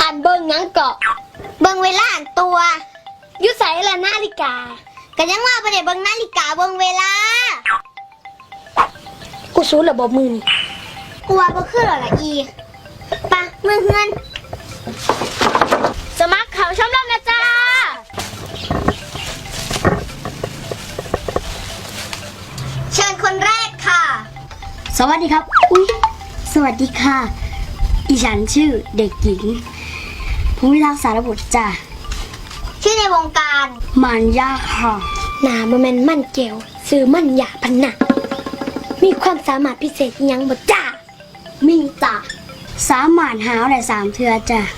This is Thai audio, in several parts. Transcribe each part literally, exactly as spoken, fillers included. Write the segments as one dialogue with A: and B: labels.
A: านเบิ่งยังเกาะเบิ่งเวลาอันตัวยุใส่ละนาฬิกาก็ยังว่าประเดี๋ยวเบิ่งนาฬิกาเบิ่งเวลากูสู้ระบบมือนี่กูว่าบ่คือหรอละอีปะมือเฮือนสมัครเขาชมรมนะจ้าเชิญคนแรกค่ะสวัสดีครับอุ๊ยสวัสดีค่ะอีฉันชื่อเด็กหญิงภูมิทักษารบุตรจ้าชื่อในวงการมันยาค่ะหนามันแม่นมันเกลซื้อมันยาพันหนักมีความสามารถพิเศษยังบ่จ้ามีจ้าสามารถหาวได้สามเทือจ้า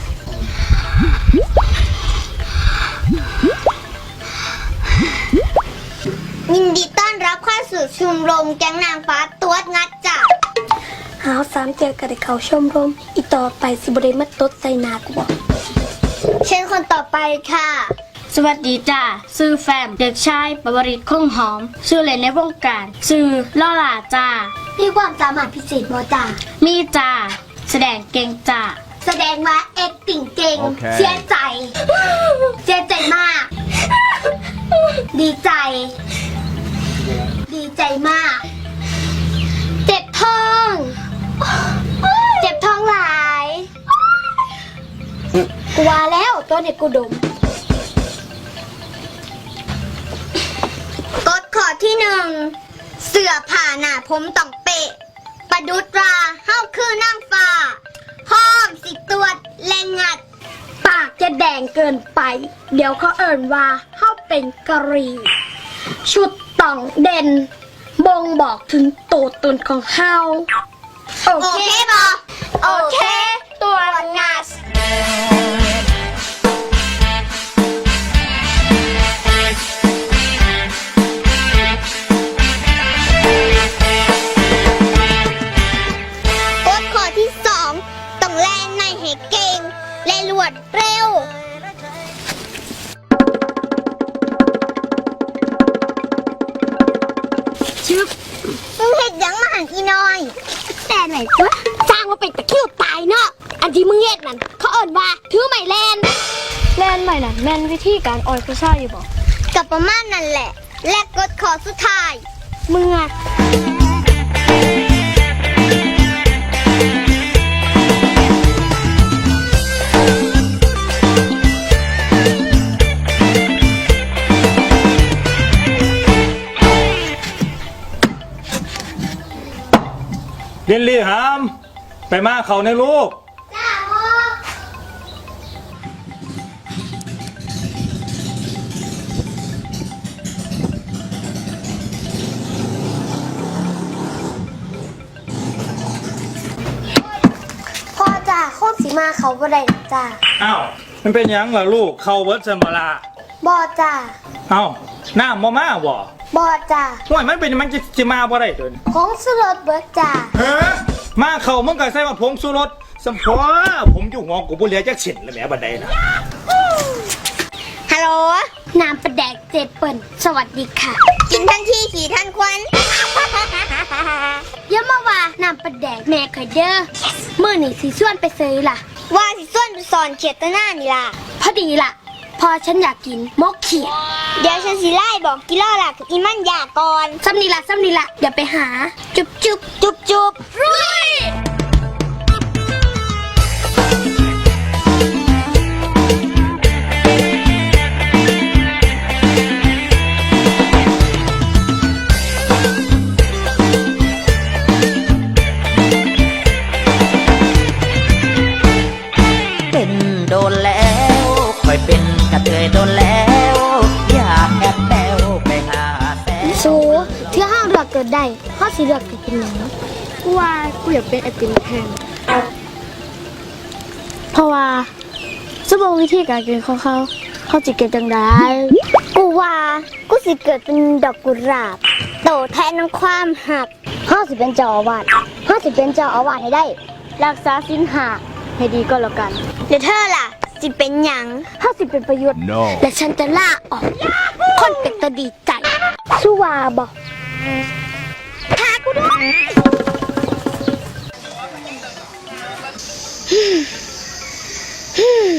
A: ยินดีต้อนรับเข้าสู่ชมรมแก๊งนางฟ้าตัวงัดจ้าหาวสามเทือก็ได้เข้าชมรมอีต่อไปสิบ่ได้มาตดใส่หนากูบอกเชิญคนต่อไปค่ะสวัสดีจ้าชื่อแฟมเด็กชายปวริศคงหอมชื่อเล่นในวงการชื่อล่อหลาจ้ามีความสามารถพิเศษบ่จ้ามีจ้าแสดงเก่งจ้าแสดงว่าเอ็กติ่งเก่ง okay. เสียใจเสียใจมากดีใจดีใจมากเจ็บท้องเจ็บท้องหลายกูว่าแล้วตัวเด็กกูดมกฎข้อที่หนึ่งเสื้อผ้าหน้าผมต้องเป๊ะประดุดราเฮ้าคือนั่งฟ้าห้อมสิตรวจแรงงัดปากจะแดงเกินไปเดี๋ยวเขาเอิ่นว่าเฮ้าเป็นกะหรี่ชุดต้องเด่นบ่งบอกถึงตัวตนของเฮาโอเคบอโอเคตัวงัดรวดเร็วชึบมึงเห็ดยังมาหันอีน้อยแต่ไหนวะสร้างว่าเป็นตะคิวตายเนาะอันที่มึงเห็ดนั่นเขาเอิ้นว่าถือไม้แลนแลนใหม่น่ะแม่นวิธีการออยผู้ชายอยู่บ่กับประมาณนั่นแหละและกดขอสุดท้ายมึงอะ
B: เรียนรีหามไปมาเขาในลูกจ้าพ่อ
A: พ่อจ้าโคตรสีมาเขาบ่ได้จ้า
B: อ้าวมันเป็นยังล่ะลูกเขาเวิร์ดสมละ
A: บอจ้า
B: อ้าวหน้ามามาบ่
A: บอจ้า
B: ห่วยมันเป็นมันจะจะมาบ่ได้ตัวนี้
A: ผงสุรสเบิร์ดจ้า
B: ฮะมาเขามึงก็ใส่ว่าผงสุรสสมพอผมอยู่หัวกูบ่เหลือจักเส้นแล้วแหมบัดใดนะ
A: ฮัลโหลน้ำประแดกเจ็ดเปิ่นสวัสดีค่ะกินทันทีขี่ทันควันเยอะมาว่าน้ำประแดกแม่เคยเด้อเมื่อนี่สีส่วนไปซื้อล่ะว่าสีส่วนไปสอนเขียดตะหน้านี่ล่ะพอดีล่ะพอฉันอยากกินมกเขียดเดี๋ยวฉันสิไล่บอกกิโลล่ะกับอีมันอยากก่อนซ้ำนี่ล่ะซ้ำนี่ล่ะเดี๋ยวไปหาจุบจุบจุบจุบรุย
C: เป็นโดนแล้วคอยเป็นกระเทยโดนแล้วอยากแอบแปวไปหาแฟน
A: สูเที่ยวห้างเลือกเกิดได้ข้อสีเลือกกินเป็นหยังกูว่ากูอยากเป็นไอติมแทนเพราะว่าสมองวิธีการกินของเขาเขาจะเกิดจังได้กูว่ากูสิเกิดเป็นดอกกุหลาบโตแทนน้ำความหักเขาสิเป็นเจ้าอาวาสเขาสิเป็นเจ้าอาวาสให้ได้รักษาศีลห้าให้ดีก็แล้วกันเดี๋ยวเธอล่ะสิเป็นหยังเขาสิเป็นประโยชน์ no. และฉันจะล่าออกคนเป็นตาดีใจสู้ว่าบอกหากูด้วย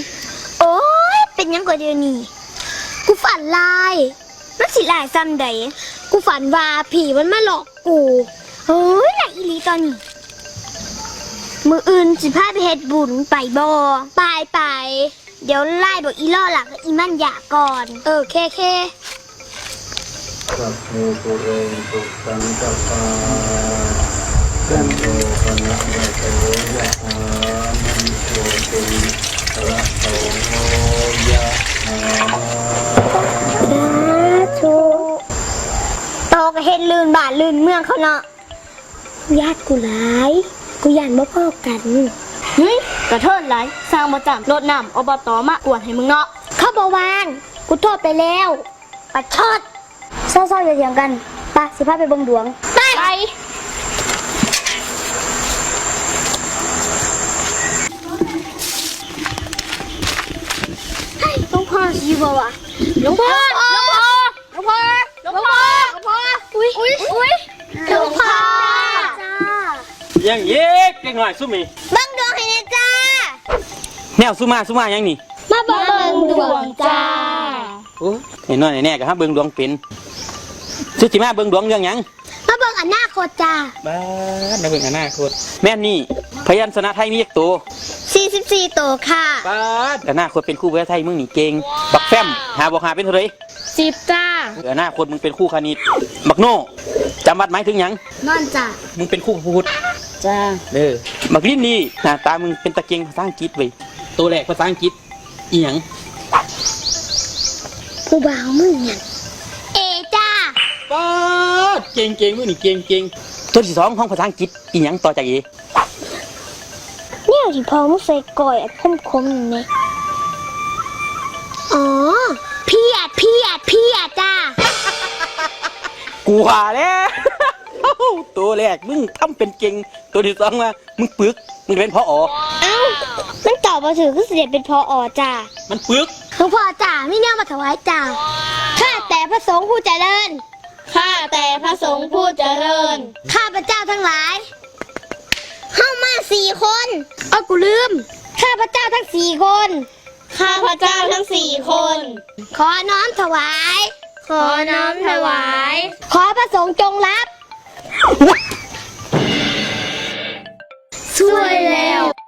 A: เดี๋ยวนี้กูฝันลายมันสิลายซ้ำใดกูฝันว่าผีมันมาหลอกกูเฮ้ยหลายอีหลีตอนนี้มืออื่นสิพาไปเฮ็ดบุญไปบ่ไปไปเดี๋ยวไล่บอกอีล่อหลักอีมันอยากก่อนเออเคเค
D: สัพเพปุเรนตุสังกปาจันโทปนะระโสยะหามันโชติระโสยะหา
A: โชโตก็เฮ็ดลื่นบ้านลื่นเมืองเขาเนาะญาติกูหลายกูย่านบ่พอกันเฮ้ยกระเทินหลายสร้างบ่จำรถน้ำอบตมากวนให้มึงเนาะเข้าบ่วางกูโทษไปแล้วปัดชดเศร้าๆอย่าเถียงกันไปสิพาไปเบิ่งดวงไปไปหลวงพ่อสิบ่วะหลวงพ่อหลวงพ่อหลวงพ่อหลวงพ่อหลวงพ่ออุ้ยอุ้ยอุ้ยหลวงพ่อจ้า
E: ยังเย็กเล็กหน่อยสุมี
A: เบิ่งดวงให้แน่จ้า
E: แนวสุมาสุมายังนี่
A: มาเบิ่งดวงจ้า
E: โอ้ไอ้น้อยไอ้แน่ก็ฮะเบิ่งดวงเป็นสุจิมาเบิ่งดวงเรื่องหยัง
A: มาเบิ่งอนาคตจ้า
E: บ้าในเบิ่งอนาคตแม่นนี่พยัญชนะไทยมีเอกตัว
A: สี่สิบสี่โตค่ะ
E: บ้าอนาคตเป็นครู่ภาษาไทยมึงนี่เก่งบักแฟมหาบอกหาเป็นเท่าไหร
A: สิบจ้า
E: อนาคตมึงเป็นครู่คณิตบักโน่จำวัดหมายถึงหยัง
A: นอนจ้า
E: มึงเป็นครู่พูด
A: จ้า
E: เด้อบักลิ้นนี่หน้าตามึงเป็นตะเกียงภาษาอังกฤษเว้ยตัวแรกภาษาอังกฤษอีหยัง
A: ผู้บ่าวมึงเนี่ยเอจ้า
E: ป้าดเก่งเก่งมึงนี่เก่งเก่งตัวที่สองของภาษาอังกฤษอีหยังต่อจากเอ
A: เนี่ยที่พอมึงใส่ก่อยอัดคมๆอย่างนี้อ๋อเพียดเพียดเพียดจ้า
E: กูว่าแล้ว ตัวแรกมึงทำเป็นเก่งตัวที่สองว่ามึงปึกมึงเป็นพ่ออ๋อ
A: เอ้ามันตอบมาถือก็เสด็จเป็นพออจ้า
E: มันปึก
A: หลวงพ่อจ่าไม่เนี่ยมาถวายจ่าข้าแต่พระสงฆ์ผู้เจริญ ข้าแต่พระสงฆ์ผู้เจริญ ข้าพระเจ้าทั้งหลาย เข้ามาสี่คนเอากูลืม ข้าพระเจ้าทั้งสี่คน ข้าพระเจ้าทั้งสี่คน ขอน้อมถวาย ขอน้อมถวาย ขอพระสงฆ์จงรับช่วยแล้ว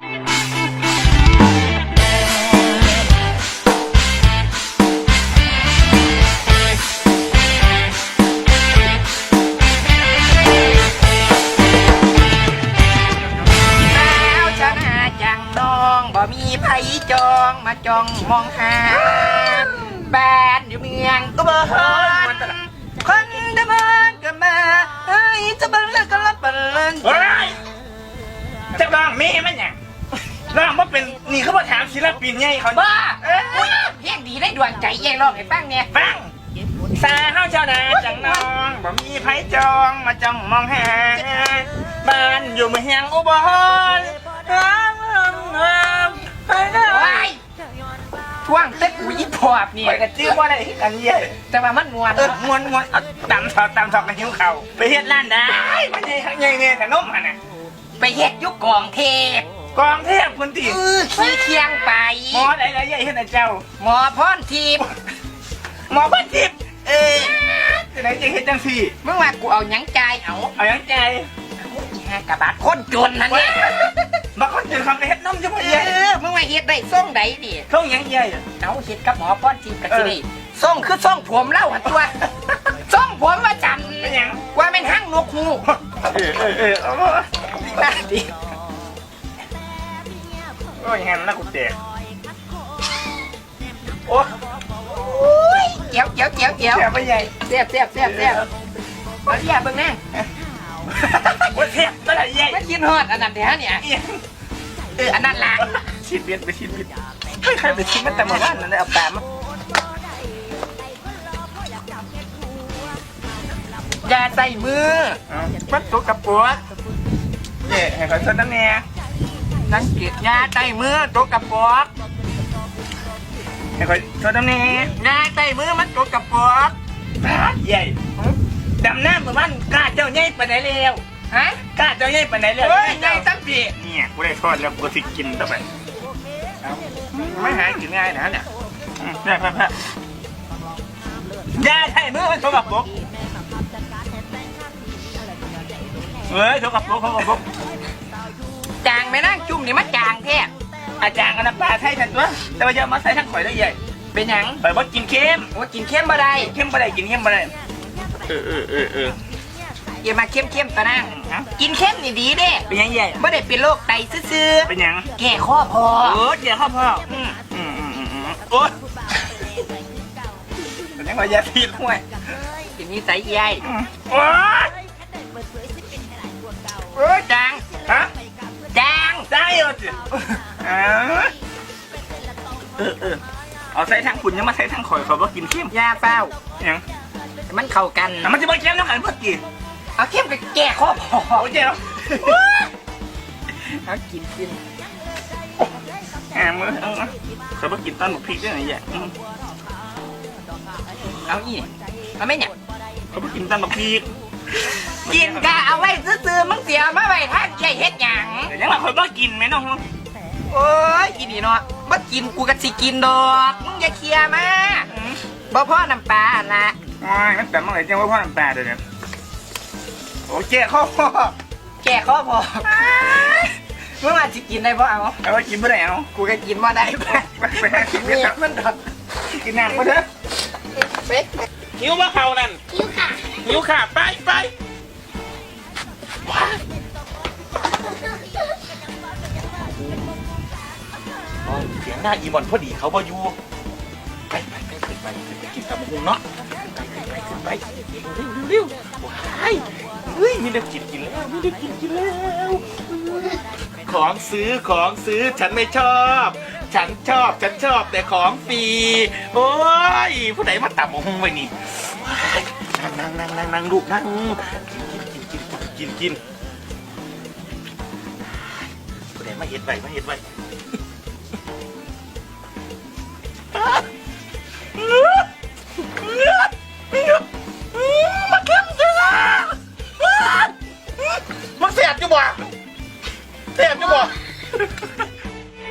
C: แล้วชนะจังน้องบ่มีไผจองมาจองมองหาบ้านอยู่เมืองก็บ่ฮอดคนเดมอนก็มาเฮ้ยจะบังแล้วก็รับบังเลิน
B: เฮ้ยจะร้องมีมันเนี่ยร้องว่าเป็นนี่เขาบอกถามศิลปินไงเขา
C: บ้า
B: เอ้ย
C: อุ้ยเพียงดีได้ดวงใจเย่ร้องให้ฟังเนี่ย
B: ฟังสาเฮาเจ้านาจังน้องบ่มีไผจองมาจ้องมองหาบ้านอยู่เมืองอุบลห้ามห้ามห้ามไปนะ
C: โอ้ยช่วงเต็กกูยี่ปอบเนี่ย
B: ไปกันจื้อว่าอะไรกันเย่
C: แต่ว่ามันมวน
B: เออมวนมวนเอาตำถอดตำถอดกันหิวเข่าไปเฮ็ดร้านได้มันใหญ่ข้างใหญ่เนี่ยแต่นมหันน่ะ
C: ไปเฮ็ดยุคกองเทพ
B: กองเทพคุณตี
C: เออขี้เคียงไป
B: หมออะไรอะไรใหญ่เฮ็ดนะเจ้า
C: หมอพรทิพย์
B: หมอพันทิพย์เออจะไหนจะเฮ็ดจังสี่
C: เมื่อวานกูเอาหยังใจายเอา
B: เอายังใจ
C: แค่กระบาดคนจนนั่นเนี่ย
B: บางคนจะทำไปเฮ็ดนมจะพอ
C: เอ
B: ใหญ่
C: อเมื่อวานเฮ็ดได้ส่งใดดิ
B: เขายังใหญ่
C: เอาเฮ็ดกับหมอพรทิพย์กันสินี่ส่งคือส่งผมเล่าหันตัวส่งผมว่าจัน
B: เป็นยัง
C: ว่าเป็นห้างนกฮูก
B: เออเออเออเอา
C: ดีมากดิ
B: โอ้ยยังไงมันน่ากูแตกโอ้
C: เจียวเจียวเจียวเจียว
B: แตกไปใหญ่
C: เสียบเสียบเสียบเสียบเอาเรียบเบิ่งแน่
B: โอ้ยแตกตัวไหนใหญ่
C: มันกินฮอดอันนั้นเดี๋ยวเนี่ยเอออันนั้นล่ะ
B: ชิดเบียดไปชิดเบียดไม่ใครไปชิดมันแต่เมื่อวานนั่นได้เอาแปมมา
C: อย่าใส่มือ
B: มันตัวกับปัวเย่ให้เขาชนนั่นเนี่ย
C: สังเกตยาใส่มือตัวกระป๋อก
B: ให้เขาชนนั่นเนี่ย
C: ยาใส่มือมันตัวกระป๋อก
B: บาดใหญ่ดำน้ำเมื่อวานกล้าเจ้าใหญ่ปานไหนแล้ว
C: ฮะ
B: กล้าเจ้าใหญ่ปานไหนแล้ว
C: เฮ้ยยายตั้งปี
B: เนี่ยกูได้ทอดแล้วกูสิกินต่อไปไม่หากินง่ายนะเนี่ยแพ้แพ้แพ้ยาใช่มือมันโชกับปุ๊กเฮ้ยโชกับปุ๊กโชกับปุ๊ก
C: จางไม่นั่งจุ่มนี่มันจางแท้
B: อาจารย์กับน้ำปลาใช่ฉันตัวแต่ว่าจะมาใส่ทั้งข่อยได้ใหญ่
C: เป็นหยัง
B: ไปว่ากินเค็ม
C: ว่ากินเข้มบ่ได้
B: เข้มไปได้กินเข้มไปได้เออเออเออเออ
C: อย่ามาเข้มเข้มๆตะนั่งกินเข้มนี่ดีเด้
B: เป็นยังใหญ่
C: ไม่ได้เป็นโรคไตซื่อ
B: เป็นยัง
C: ๆแก่ข้อพอ
B: เออเดี๋ยวข้าวพ่ออืมอืมอืมอืมอืมโอ๊ยเป็นยังไงยาพิษห่วย
C: เป็นนิสัยใหญ่
B: โอ๊ย
C: โอ้ยจาง
B: ฮะ
C: จาง
B: ได้เหรอจิอ่าเออเออเอาใส่ทั้งคุณยังมาใส่ทั้งข่อยเขาก็กินเข้ม
C: ยาเฝ้า
B: ยัง
C: แต่มันเข้ากัน
B: แต่มันจะมาเข้มน้ำกันเพื่อกิน
C: เอาเข้มกับแก่ข้อพอ
B: โอ้ยเจ้า
C: เอากินกิน
B: แหมมือเอาเอาเขาก็กินต้นหมกพริกด้วยไงเนี่ยอืม
C: เอาอีเอาไม่เนี่ย
B: เขาก็กินต้นหมกพริก
C: กินกะเอาไว้ซื้อๆมึงเสียมาไว้ท่านใหญ่เฮ็ดหยัง
B: แต่ยังมาข่อยก็กินไหมน้อง
C: โอ้ยอีนี่เนาะบ่กินกูก็สิกินดอกมึงอย่าเคลียร์มา
B: อืม
C: บ่พ่อน้ำปลาหั่นละ
B: โอ้ยมันแต่เมื่อไหร่จะว่าพ่อน้ำตาเดี๋ยวนี้โอ้ยเจ๊ข้อพ่อ
C: แก่ข้อพอมึงอาจจะกินได้บ่เอา
B: เอาไว้กินเมื่อไหร่เอา
C: กูก็กินบ่ได้ไป
B: ไปไปหากิน
C: เนี่
B: เนี่ย ย
C: มันดอก
B: กินน้ำมาเถอะ
C: เป๊ก
B: หิวว่าเขานั่น
A: คิ้วค่ะ
B: หิวค่ะไปไปเสียงหน้าอีบอลพอดีเขาบอยู่ไปไปไปไปไปไปกินกับมุงเนาะไปไปไปเร็วๆว้ายเฮ้ยมีเด็กกินกินแล้วมีเด็กกินกินแล้ว ของซื้อของซื้อฉันไม่ชอบ ฉันชอบฉันชอบแต่ของฟรีโอ้ยผู้ใดมาตับหงไปนี่นั่งนั่งนั่งนั่งลูกนั่งกินกินกินกินกินกินผู้ใดมาเห็ดไปมาเห็ดไป